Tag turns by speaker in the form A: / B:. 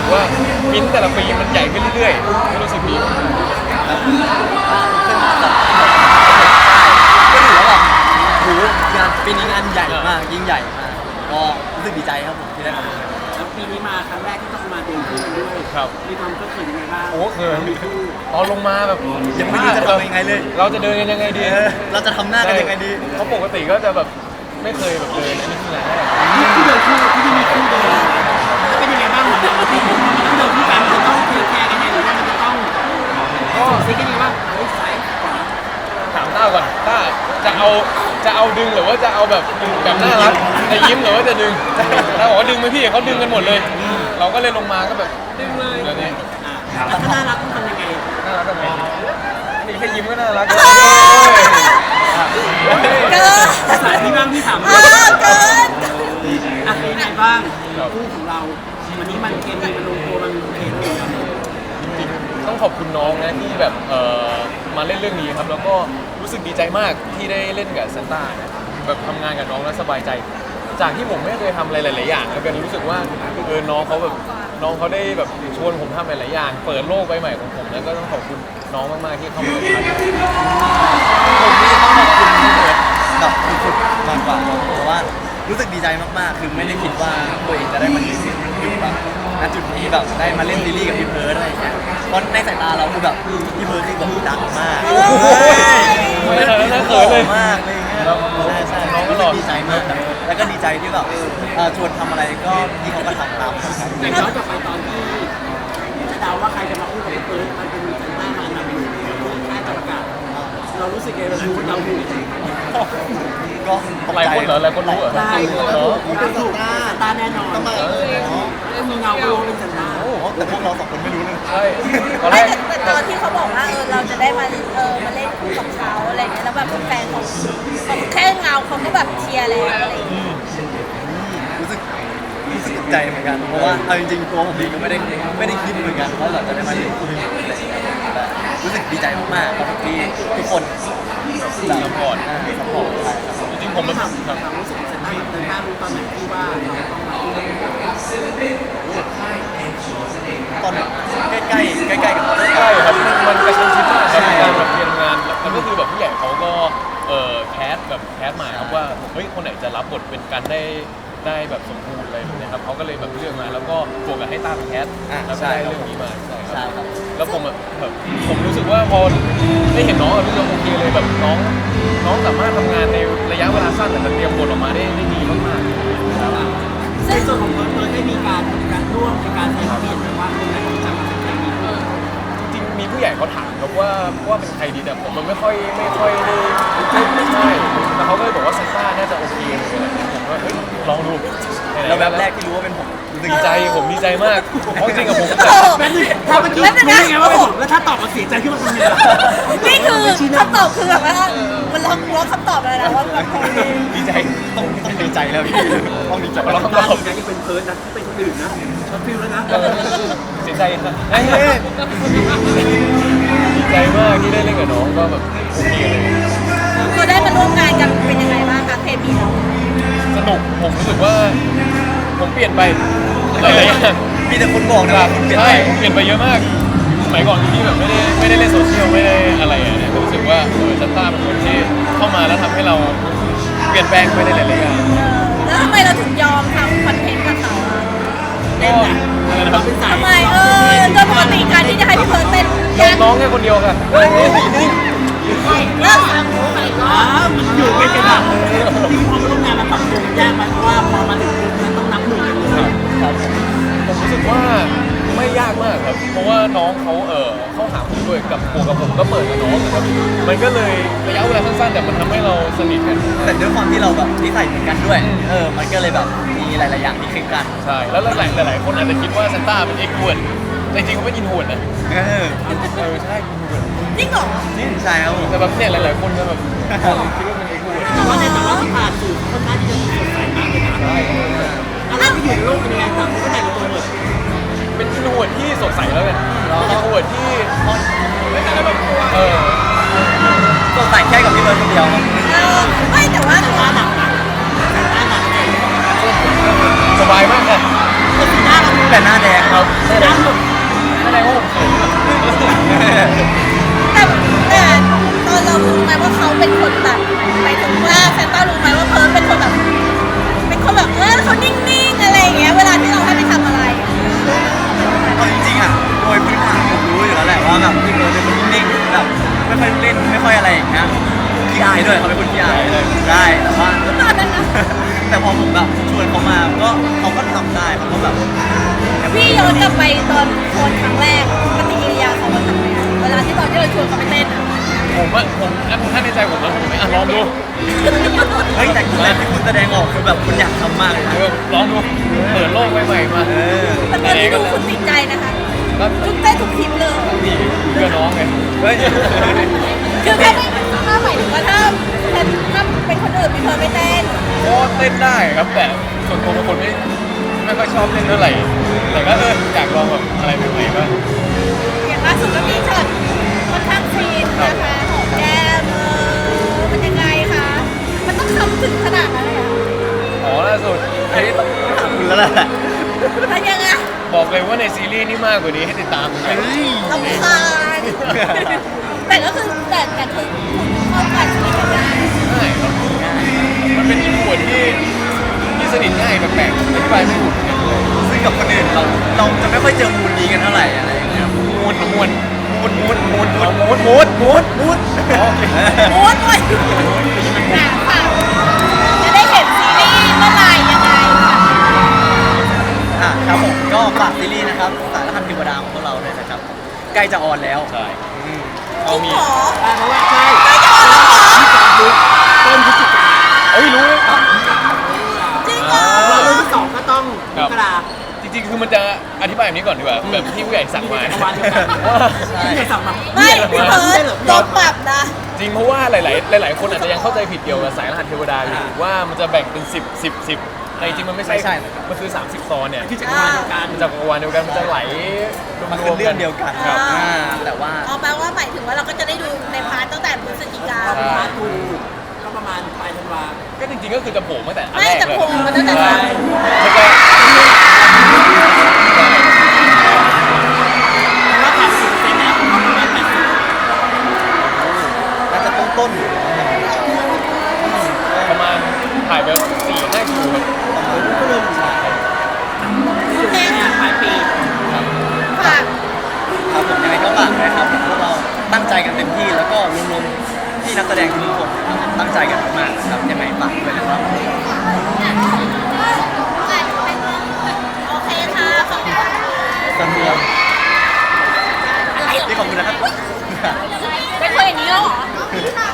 A: กว่ามิ้นท์แต่ละปีมันใหญ่ขึ้นเรื่อยๆก็รู้สึกดี
B: ก็ถือว่าแบบโหงานปีนี้งานใหญ่มากยิ่งใหญ่มากก็รู้สึกดีใจครับผมที่ได้มาร่วมงาน
C: แล้วปีนี้มาครั้งแรกที่ต้องมาเดินคู่กันด้วย
A: ครับ
C: มีความเคยยังไงบ้าง
A: โอ้เขินตอนลงมาแบบ
B: ยังไม่รู้จะทำยังไงเลย
A: เราจะเดินกันยังไงดี
B: เราจะทำหน้ากันยังไงดี
A: เพราะปกติก็จะแบบไม่เคยแบบเดินอันนี้คือแรก
C: ที่เดินคู่ที่มีคู่เดินเป็นยังไงบ้างของเราที่มันต้องเดินคู่กันมันต้องเทคแคร์กันยังไงหรือว่ามันจะต้องซิกกันยังไงบ้างเฮ้ยสายขวา
A: ถามต้าก่อนต้าจะเอาดึงหรือว่าจะเอาแบบน่ารักจะยิ้มหรือว่าจะดึงต้าบอกว่าดึงไหมพี่เขาดึงกันหมดเลย เราก็เลยลงมาก็แบบ
C: ดึงเลย
A: เดี๋ยวนี้
C: แล้วถ้าน่ารักต้องทำยังไง
A: น่ารักกันไหมนี่แค่ยิ้มก็น่ารัก
D: เกิน
C: สายที่บ้างที่ถาม
D: เกิน
C: อ่ะเป็นยังไงบ้างคู่ของเราวันนี้มันเคมีมันลงตัวมันโอเคเลย
A: จริงๆต้องขอบคุณน้องนะที่แบบมาเล่นเรื่องนี้ครับแล้วก็รู้สึกดีใจมากที่ได้เล่นกับซันต้านะแบบทำงานกับน้องแล้วสบายใจ จากที่ผมไม่เคยทำอะไรหลายๆอย่างแล้วกันรู้สึกว่าน้องเขาแบบน้องเขาได้แบบชวนผมทำหลายๆอย่างเปิดโลกใบใหม่ของผมแล้วก็ต้องขอบคุณน้องมากๆที่เข้ามาเป็นพาร์ท
B: ผมนี่ต้องขอบคุณพี่เบิร์ดแบบสุดๆมากกว่าเพราะว่ารู้สึกดีใจมากๆ คือไม่ได้คิดว่าตัวเองจะได้มาอยู่แบบณจุดนี้แบบได้มาเล่นซีรีส์กับพี่เบิร์ดอะไรอย่างเงี้ยเพราะในสายตาเราคือแบบพี่เบิร์ดคือแบบดังมาก
A: ไม่ทันแล้วนะเขินเลย
B: มากเลยเงี้ยใช่น้องก็ดีใจมากแล้วก็ดีใจที่แบบชวนทำอะไรก็ที่เขาก็ทำตามครับ
C: แต่ย้อนกลับไปตอนที่จะเดาว่าใครจะมาคู่กับพี่เฟิร์สมันเป็นซันต้ามานำอยู่แค่ประกาศเรารู้สึกไงเราดูเราดู
B: ก็ตก
A: หลาย
B: ใจ
A: คนเหรอหลายคนรู้เหรอ
C: ได้
A: เหรอ
C: เป็นถูกซันต้าแน่นอนมีเงาก็รู้เป็นซันต้า
B: โอ้โหแต่พวกเราสองคนไม่รู้เลย
A: ใช่ตอนแร
D: ไม่
A: ก
D: แต่ตอนที่เขาบอกว่าเราจะได้มามาเล่นคู่กับเขาอะไรเงี้ยแล้วแบบแฟนของแค่เงาเขาก็แบบเชียร์แล้วอะไรอย่างเงี้ย
B: รู้สึกตกใจเหมือนกันเพราะว่าเอาจริงๆตัวผมเองก็ไม่ได้คิดเหมือนกันว่าเราจะได้มาเล่นคู่นี้แต่รู้สึกดีใจมากๆครับที่ทุกคน
A: ซัพพอร์ต
B: ซัพพอร์ตใช่ครับ
A: จริงๆผมมัน
C: ถามรู้สึกซันต้ารู้ตอนไหนที่ว่าเราต้องมาคู่กัน
B: ตอนใกล้ๆกับ
A: ใช่ครับมันกระชั้นชิดมากครับในการแบบเรียนงานแล้วก็คือแบบผู้ใหญ่เขาก็แคสมาครับว่าเฮ้ยคนไหนจะรับบทเป็นกันได้แบบสมบูรณ์อะไรแบบนี้ครับเขาก็เลยแบบเลือกมาแล้วก็บวกกับให้ต้าเป็นแคสแล้วก็ได้เรื่องนี้มาใช่
B: ใช่
A: ครับ
B: ครับ
A: แล้วผมแบบผมรู้สึกว่าพอได้เห็นน้องรู้สึกโอเคเลยแบบน้องสามารถทำงานในระยะเวลาสั้นแต่เตรียมบทออกมาได้ดีมากๆครับ
C: ในส่วนของเฟิร์สได้มีการร่วมในการใช้เปลี่ยนหรือว่าคนไหนจะมาเป็นใครมี
A: จริงๆมีผู้ใหญ่เขาถามครับว่าเป็นใครดีแต่ผมมันไม่ค่อยได้ไม่ใช่แต่เขาก็เลยบอกว่าซันต้าน่าจะโอเคเลยผมก็เฮ้ยลองดู
B: แล้วแบบแรกที่รู้ว่าเป็นผมรู้สึก
A: ดีใจผมดีใจมากเพราะจริงกับผม
C: แม่นี่ถ้าเมื่อกี้รู้ได้ไงว่าเป็นผมแล้วถ้าตอบมาเสียใจขึ้นมาทำไงล่ะ
D: นี่คือคำตอบคือแบบว่ามันล็อกคำตอบเลยนะว่าแบบ
A: ดีใจ
B: ต้องดีใจแล้วพี่ต้องดีใจ
A: เรา
B: แล้ว
A: ต้อง
C: ต
A: ต
C: อ
A: อ
C: บบ นะยังเป็นเพิร์ดนะที่เป็นคนอื่นนะช็อตฟิลแล้วนะ
A: เสียใจครับดีใจมากที่ได้เล่นกับน้องก็แบบโอเคเลย
D: พอได้มาร่วมงานกันเป็นยังไงบ้างคะเคมีเรา
A: สนุกผมรู้สึกว่าผมเปลี่ยนไปหลายๆอย่าง
B: มีแต่คนบอกนะว่าคุณเปลี่ยน
A: ใช่
B: ไป
A: ผมเปลี่ยนไปเยอะมากสมัยก่อนที่แบบไม่ได้เล่นโซเชียลไม่ได้อะไรอ่ะเนี่ยรู้สึกว่าชัตต้าเป็นคนที่เข้ามาแล้วทำให้เราเปลี่ยนแปลงไปในหลายๆอย่าง
D: แล้วทำไมเราถึงยอมทำคอนเทนต์กับเขาอะ
A: ก็อะไรนะครับ
D: ทำไมโดยปกติการที่จะให้พี่เพิร์ดเต้น
A: ยอมน้องแค่คนเดียวค่ะ
D: เลิก
C: มันอยู่กันกันอ่ะที่พอมาร่วมงานมันปรับตัวมันยากไหมเพราะว่าพอมาถึงจุดนั้นต้องนับหนึ่งกันเลย
A: ผมรู้สึกว่าไม่ยากมากครับเพราะว่าน้องเขาหาผมด้วยกับผมก็เปิดกับน้องนะครับมันก็เลยระยะเวลาสั้นๆแต่มันทำให้เราสนิทกัน
B: แต่ด้วยความที่เราแบบนิสัยเหมือนกันด้วยมันก็เลยแบบมีหลายๆอย่างที่คลิกกัน
A: ใช่แล้วหลายคนอาจจะคิดว่าซันต้าเป็นเอ็กซ์ฮวนแต่จริงๆเขาไม่อินฮวนนะใช่อินฮวน
D: จริงเหรอ
B: นี่ใช่ครับผม
A: แต่แบบเนี่ยหลายๆคนก็แบบคิดว่าเป็นเอ็กซ์ฮวน
C: แต่ว่าที่ผ่านสื่อค่อนข้างที่จะสดใสมากเลยนะ
A: ใช่
C: แล้วเราไปอยู่ในโลกเป็นยังไงต่างคนก็แต่งตัวหมด
A: เป็นอินฮวนที่สดใสแล้วกันเป็นอินฮวนที่แบบ
B: สดใสแค่กับพี่เบิร์ดคนเดียว
D: ไม่แต่ว่า
C: หน้าหนักนะหน้าหนักเลย
A: สบายมากค่ะ
C: คนหน้าเรา
B: แต่หน้าแดง
A: ครับแสดงว่าผมเขินครับ
D: แต่ตอนเรารู้ไหมว่าเขาเป็นคนแบบหมายถึงว่าแซนต้ารู้ไหมว่าเพิร์ลเป็นคนแบบเขานิ่งๆอะไรอย่างเงี้ยเวลาที่เราให้ไปทำอะไร
B: เอาจริงๆอ่ะโดยพื้นฐานผมรู้อยู่แล้วแหละว่าแบบพี่เบิร์ดเป็นคนนิ่งๆแบบไม่ค่อยเล่นไม่ค่อยอะไรอย่างเงี้ยขี้อายด้วยเขาเป็นคนขี้อายได้แต่ว่า
D: ตอนนั้นนะ
B: แต่พอผมแบบชวนเขามาก็เขาก็ทำได้เขาก็แบบ
D: พี่ย้อนกลับไปตอนโคนครั้งแรกปฏิกิริยาเขาว่าทำไงเวลาที่ตอนที่เราชวนเขาไปเต้นอะ
A: ผมถ้าในใจผมแล้วผมไม่ลองดู
B: เฮ้ยแต่ที่คุณแสดงออกคือแบบคุณอยากทำมากเลยนะ
A: ลองดูเปิดโลกใหม่ๆมา
D: แต่ตอนที่ดูคุณติดใจนะคะ
A: ก็
D: ทุกเต้นทุกคลิปเลย
A: นี่เพื่อน้องไง
B: เฮ้ย
D: คือถ้าหมายถึงว่าถ้าเป็นคนอื่นมีเธอไม่เต้น
A: ก็เต้นได้ครับแต่ส่วนตัวเป็นคนไม่ค่อยชอบเล่นเท่าไหร่แต่ก็อยากลองแบบอะไรใหม่ๆบ้าง
D: อย่างล่าสุดก็มีช็อตค่อนข้างซีนนะคะหอมแก้มมันยังไงคะมันต้องทำถึงขนาดนั้นเลยเหรอ
A: อ๋อล่าสุดอันนี้ต้อง
B: คุณแล้วแหละ
D: มันยังไง
A: บอกเลยว่าในซีรีส์นี่มากกว่านี้ให้ติดตามเลย
D: ลำคาญแต่ก็คือแต่คือคุณเข้ากันสนิทกันได้
A: ง่ายครับมันเป็นอีกหมวดที่สนิทง่ายแปลกๆอธิบายไม่ถูกเหมือนกันเลย
B: ซึ่งกับคนอื่นเราจะไม่ค่อยเจอมูลนี้กันเท่าไหร่อะไรอย่างเงี้ย
A: มูด
B: โอเค
D: มูดด้วยค่ะจะได้เห็นซีรีส์เมื่อไหร่ยังไงค่ะ
B: ครับผมก็ฝากซีรีส์นะครับสารคดีเทวดาของพวกเราเลยนะครับใกล้จะออนแล้ว
A: ใช่
D: จริ
A: เอา
D: ง
A: มี
D: เหรอ
C: เพราะว่าใช่
D: ไม่จะออนแล้วเหรอ
C: ต้นพฤศจิกา
A: เอ้ยรู้เลย
D: จริงเหรอ
C: เราเรื่องที่สองก็ต้องมกรา
A: จริงๆคือมันจะอธิบายแบบนี้ก่อนดีกว่าแบบที่ผู้ใหญ่สั่งมา
C: จักรวาลเดียวกัน
A: ว่า
C: ที่ไหนสั่งมา
D: ไม่พี่เพิร์ดโดนปรับนะ
A: จริงเพราะว่าหลายๆคนอาจจะยังเข้าใจผิดเกี่ยวกับสายรหัสเทวดาอยู่ว่ามันจะแบ่งเป็น10แต่จริงๆมันไม่ใช่มันคือ30ตอนเนี่ย
C: ที่จักรวาลเดียวกัน
A: มันจากจักรวาลเดียวกันมันจะไหลร
B: มัน
A: ว
B: คือ
A: มๆ
B: เรื่
A: กั
B: อน งเดียวกัน
A: ครับ
B: แต่ว่า
D: เอาแปลว่าหมายถึงว่าเราก็จะได้ดูในพาร์ทตั้งแต่พฤศจิกา
C: เราเป็นพาร์ททูก็ประมาณปลายธันวา
A: ก็จริงๆก็คือจะโผล่มาแต่อัน
D: ไม่
A: แรก
D: แต่
A: เลย
D: โผล่มาตั้งแต่
A: ใช่
D: ตอน
A: แล้วก็
C: เพราะว่าถ่ายสิบเซนแล้วประมาณ80
B: น่าจะต้น
A: ประมาณถ่ายไป4-5 คิวครับ
C: ก็เริ่มอยู่อยู่ในปลายปี
D: ค่ะ
B: ครับผมยังไงก็ฝากด้วยครับพวกเราตั้งใจกันเต็มที่แล้วก็รวมๆที่นักแสดงทุกคนนะครับตั้งใจกันมากๆนะครับยังไงฝากด้วยนะครับ
D: โอเคค่ะขอบคุณ
B: สำรวมที่ขอบคุณนะครับ
D: เป็นคนอย่างนี้แล้วเหรอ